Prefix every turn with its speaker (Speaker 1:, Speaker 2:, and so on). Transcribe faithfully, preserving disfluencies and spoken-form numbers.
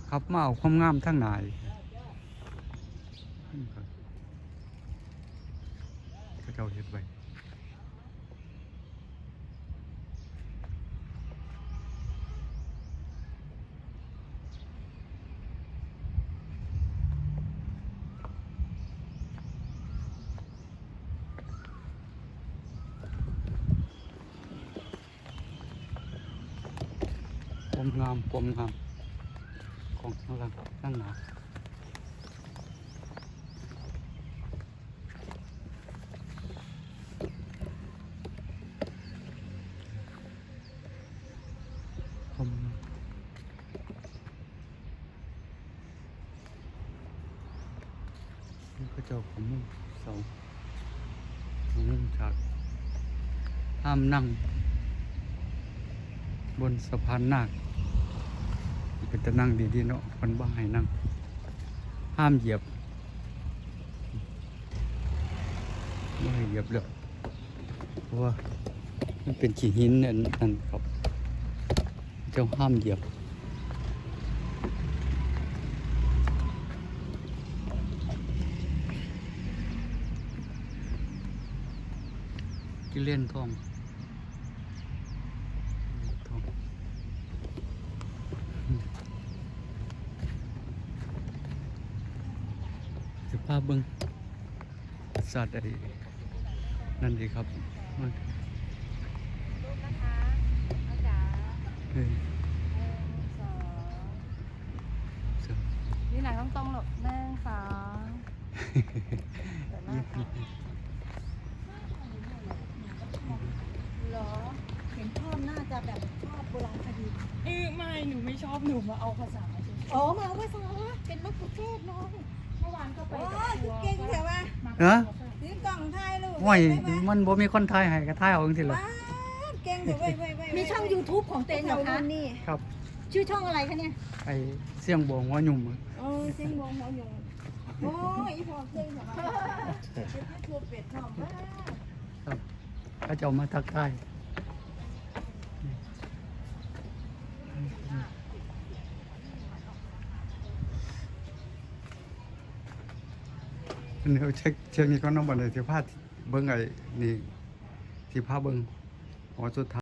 Speaker 1: ขับมาเอาความงามทั้งหนายก็เจ้าเฮ็ดไว้ความงามความงามของข้างหลังข้างหน้าความงามนี่ก็เจ้าของมุ่งเสาของมุ่งฉากห้ามนั่งบนสะพานนาคเป็นจะนั่งดีๆเนาะคนบ้าให้นั่งห้ามเหยียบไม่ให้เหยียบเลยเพราะว่ามันเป็นขี้หินนั่นนั่นครับเจ้าห้ามเหยียบกิเลนทองจะพาเบิ้งสัตว์อะไรนั่นดีครับมัน
Speaker 2: รูปนะคะอาจารย์
Speaker 1: เฮ้ย
Speaker 2: หนึ่งสอง
Speaker 1: เสือ
Speaker 2: นี่หนังต้องตรงหลบหนึ่งสองเดี๋ยวหน้าค่ะเหรอเห็นพ่อน่าจะแบบชอบโบราณคดี
Speaker 3: เออไม่หนูไม่ชอบหนูมาเอาภาษาเฉย
Speaker 2: อ๋อมาเอาภาษาเป็นมะกุเทศน้อง
Speaker 3: ๆเมื่อวานก็ไป
Speaker 2: โอ้
Speaker 3: กับ
Speaker 2: ย
Speaker 3: ทัวร์
Speaker 2: เก่งเถอะวะ
Speaker 3: มา
Speaker 1: ฮะ
Speaker 2: ซื้อกล่องไทยลูก
Speaker 1: ว้ยมันบ่มีคนไทยให้ก็ไทยเอาจังซี่ล่ะ
Speaker 2: ว้าวเก่งเถอะเว้ยเว้ยเว้ย
Speaker 4: มีช่อง YouTube ของเต็นเหรอคะ
Speaker 2: นี่
Speaker 1: ครับ
Speaker 4: ชื่อช่องอะไรคะเนี่ย
Speaker 1: ไอเสียงบวงหัวหยุ่ม
Speaker 2: โอ้ยเสียงวงหัวหยงโอ้ยอีพอเก่งเถอะวะเป็นยูทูบเป็ดทอมมาก
Speaker 1: ครับก็จะเอามาทักทายเดี๋ยวเช็คเช็คนี่ก็น้องบันเลยที่พาเบิ้งไอ้นี่ที่พาเบิ้งหัวสุดท้าย